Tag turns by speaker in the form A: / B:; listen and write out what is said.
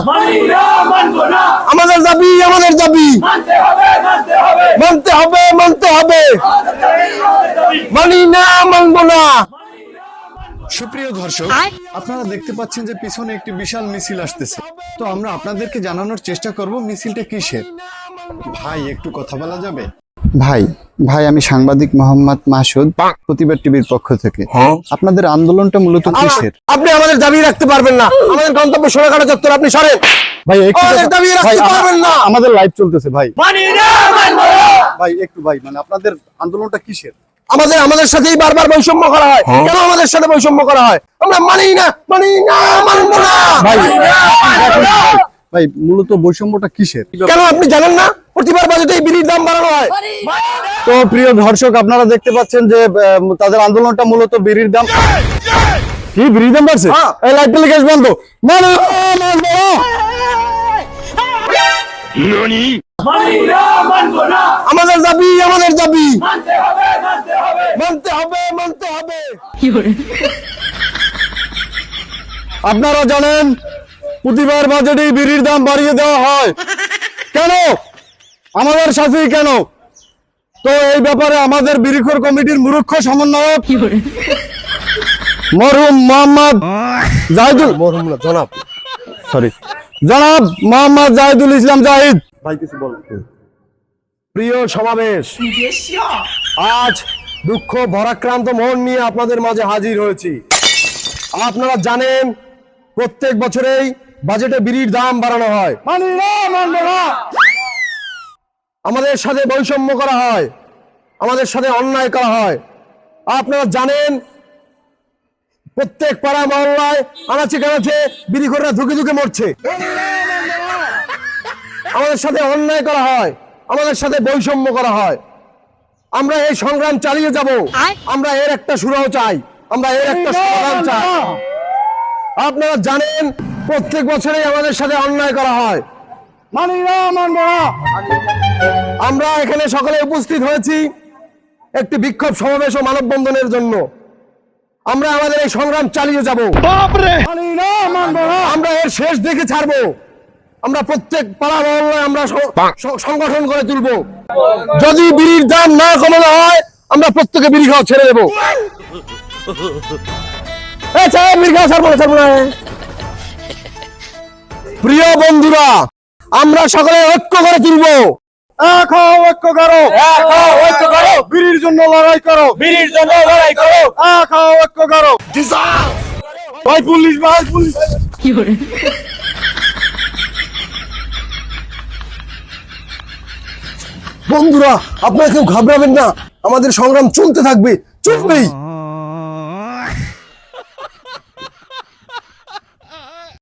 A: আমাদের দাবি মানতে হবে মানি না, মানবো না।
B: সুপ্রিয় দর্শক, আপনারা দেখতে পাচ্ছেন যে পিছনে একটি বিশাল মিছিল আসতেছে। তো আমরা আপনাদেরকে জানানোর চেষ্টা করব মিছিলটা কিসের। ভাই, একটু কথা বলা যাবে? ভাই আমি সাংবাদিক মোহাম্মদ মাসুদ, প্রতিবাদ টিভির পক্ষ থেকে। আপনাদের আন্দোলনটা মূলত কিসের?
A: আপনি আমাদের দাবি রাখতে পারবেন না। আমাদের গন্তব্য সোনাকাটা চত্বর, আপনি সরেন।
B: ভাই
A: আমাদের দাবি রাখতে পারবেন না।
B: আমাদের লাইভ চলতেছে ভাই।
A: মানি না, মানবো না।
B: ভাই একটু ভাই, মানে আপনাদের আন্দোলনটা কিসের?
A: আমাদের সাথেই বারবার বৈষম্য করা হয়। কেন আমাদের সাথে বৈষম্য করা হয়? আমরা মানি না, মানবো না।
B: ভাই মূলত বৈষম্যটা কিসের?
A: কেন আপনি জানেন না? প্রতিবার বাজেটে বিড়ির দাম বাড়ানো হয়।
B: তো প্রিয় দর্শক, আপনারা দেখতে পাচ্ছেন যে তাদের আন্দোলনটা মূলত বিড়ির দাম। কি বিড়ির দাম বাড়ছে? এই লাইট টেলিকাস্ট বন্ধ।
A: আমাদের দাবি মানতে হবে।
B: আপনারা জানেন প্রতিবার বাজেটে বিড়ির দাম বাড়িয়ে দেওয়া হয়। কেন? আমাদের সাথেই কেন? তো এই ব্যাপারে আমাদের বিড়িখোর কমিটির মুরুক্ষ সমন্বয়ক মরহুম মোহাম্মদ জাহিদুল জনাব মোহাম্মদ জাহিদুল ইসলাম জাহিদ ভাই কিছু বলেন।
A: প্রিয় সমাবেশ, আজ দুঃখ ভরাক্রান্ত মন নিয়ে আপনাদের মাঝে হাজির হয়েছি। আপনারা জানেন প্রত্যেক বছরেই বাজেটে বিড়ির দাম বাড়ানো হয়। আমাদের সাথে বৈষম্য করা হয়, আমাদের সাথে অন্যায় করা হয়। আপনারা জানেন প্রত্যেক পাড়া মহল্লায় আনাচে কানাচে বিড়িখোররা ধুকে ধুকে মরছে। আমাদের সাথে অন্যায় করা হয়, আমাদের সাথে বৈষম্য করা হয়। আমরা এই সংগ্রাম চালিয়ে যাব। আমরা এর একটা সুরাও চাই, আমরা এর একটা সমাধান চাই। আপনারা জানেন প্রত্যেক বছরেই আমাদের সাথে অন্যায় করা হয়। আমরা এখানে সকলে উপস্থিত হয়েছি একটি বিক্ষোভ সমাবেশ ও মানববন্ধনের জন্য। আমরা আমাদের এই সংগ্রাম চালিয়ে যাব। আমরা এর শেষ দেখে ছাড়বো। আমরা প্রত্যেক পাড়া মহল্লায় আমরা সংগঠন করে তুলব। যদি বিড়ির দাম না কমানো হয়, আমরা প্রত্যেকে বিড়ি খাওয়া ছেড়ে দেবো। প্রিয় বন্ধুরা, আমরা সকলে ঐক্য করে তুলব।
B: ঐক্য করো, বিড়ির জন্য লড়াই করো, ঐক্য করো।
A: ভাই পুলিশ, বন্ধুরা আপনারা কেউ ঘাবড়াবেন না। আমাদের সংগ্রাম চলতে থাকবে, চলবেই।